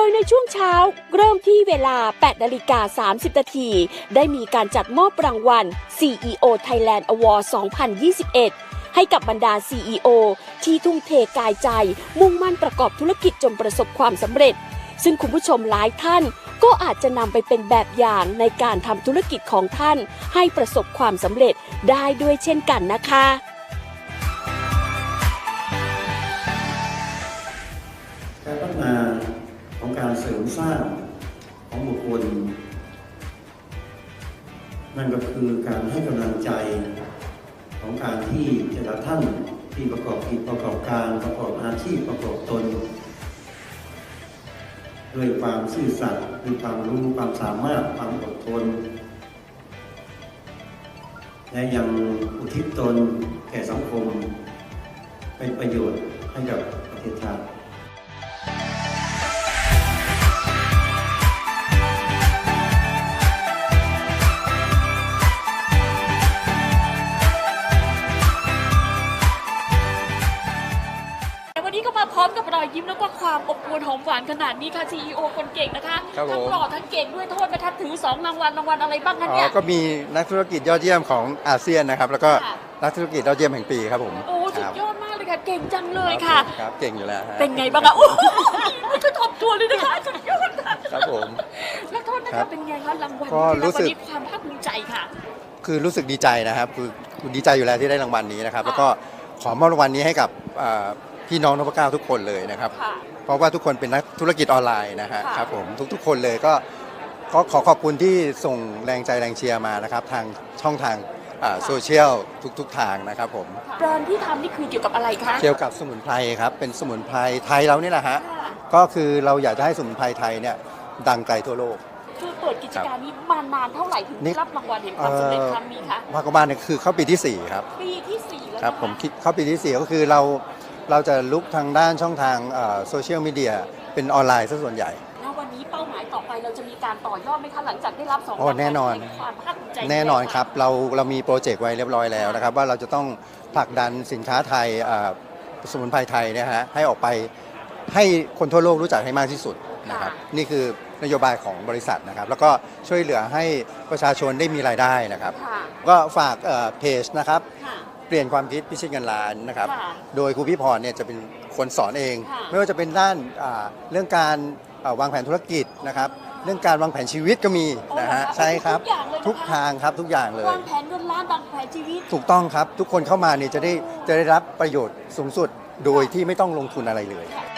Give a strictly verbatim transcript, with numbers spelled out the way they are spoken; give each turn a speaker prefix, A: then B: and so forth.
A: ยในช่วงเช้าเริ่มที่เวลา แปดนาฬิกาสามสิบ นาทีได้มีการจัดมอบรางวัล ซี อี โอ Thailand Award สองพันยี่สิบเอ็ด ให้กับบรรดา ซี อี โอ ที่ทุ่มเทกายใจมุ่งมั่นประกอบธุรกิจจนประสบความสำเร็จซึ่งคุณผู้ชมหลายท่านก็อาจจะนำไปเป็นแบบอย่างในการทำธุรกิจของท่านให้ประสบความสำเร็จได้ด้วยเช่นกันนะคะ
B: การพัฒนาของการเสริมสร้างของบุคคลนั่นก็คือการให้กำลังใจของการที่แต่ละท่านที่ประกอบกิจประกอบการประกอบอาชีพประกอบตนด้วยความซื่อสัตย์ด้วยความรู้ความสามารถความอดทนและยังอุทิศตนแก่สังคมเป็นประโยชน์ให้กับประเทศชาติ
C: วันนี้ก็มาพร้อมกับรอยยิ้มแล้วก็ความอบอุ่นหอมหวานขนาดนี้ค่ะ ซี อี โอ คนเก่งนะคะทั้งหล่อทั้งเก่งด้วยโทษนะคะถือสองรางวัลรางวัลอะไรบ้างคะเนี่ย
D: ก็มีนักธุรกิจยอดเยี่ยมของอาเซียนนะครับแล้วก็นักธุรกิจยอดเยี่ยมแห่งปีครับผม
C: โอ้สุดยอดมากเลยค่ะเก่งจังเลยค่ะ
D: ครับเก่งอยู่แล้ว
C: เป็นไงบ้างคะโอ้ไม่ก็ทบตัวเลยนะคะสุดยอดค่ะ
D: ครับผม
C: แล้วโทษนะคะเป็นไงคะรางวัล
D: ก็รู้สึก
C: ความภาคภูมิใจค่ะ
D: คือรู้สึกดีใจนะครับคือดีใจอยู่แล้วที่ได้รางวัลนี้นะครับแล้วก็ขอมอบรางวัลนี้ให้กับพี่น้องนพเก้าทุกคนเลยนะครับเพราะว่าทุกคนเป็นนักธุรกิจออนไลน์นะฮะครับผมทุกๆคนเลยก็ก็ขอขอบคุณที่ส่งแรงใจแรงเชียร์มานะครับทางช่องทางโซเชียลทุกๆทางนะครับผม
C: แบรนด์ที่ทำนี่คือเกี่ยวกับอะไรคะ
D: เกี่ยวกับสมุนไพรครับเป็นสมุนไพรไทยเรานี่แหละฮะก็คือเราอยากจะให้สมุนไพรไทยเนี่ยดังไกลทั่วโลก
C: คือเปิดกิจการนี้มานานเท่าไหร่ถึงได้รับรางวัลแห่งความสำเร็จครั้งนี้คะ
D: ภาคบ้านเนี่ยคือเข้าปีที่สี่ครับ
C: ปีที่สี่แล้ว
D: ครับผมคิดเข้าปีที่สี่ก็คือเราเราจะลุกทางด้านช่องทางโซเชียลมีเดียเป็นออนไลน์ซะส่วนใหญ่
C: แล้ววันนี้เป้าหมายต่อไปเราจะมีการต่อยอดไหมคะหลังจากได้รับสองราง
D: วัลแน่นอน
C: ความภาคภูมิใจ
D: แน่นอนครับเราเรามีโปรเจกต์ไว้เรียบร้อยแล้วนะครับว่าเราจะต้องผลักดันสินค้าไทยสมุนไพรไทยเนี่ยฮะให้ออกไปให้คนทั่วโลกรู้จักให้มากที่สุดนะครับนี่คือนโยบายของบริษัทนะครับแล้วก็ช่วยเหลือให้ประชาชนได้มีรายได้นะครับก็ฝากเพจนะครับเปลี่ยนความคิดพิชิตเงินล้านนะครับโดยครูพี่พรเนี่ยจะเป็นคนสอนเองไม่ว่าจะเป็นด้านเรื่องการวางแผนธุรกิจนะครับเรื่องการวางแผนชีวิตก็มีนะฮะใช่ครับทุกทางครับทุกอย่างเลยว
C: างแผนเงินล้านวางแผนชีวิต
D: ถูกต้องครับทุกคนเข้ามาเนี่ยจะได้จะได้รับประโยชน์สูงสุดโดยที่ไม่ต้องลงทุนอะไรเลย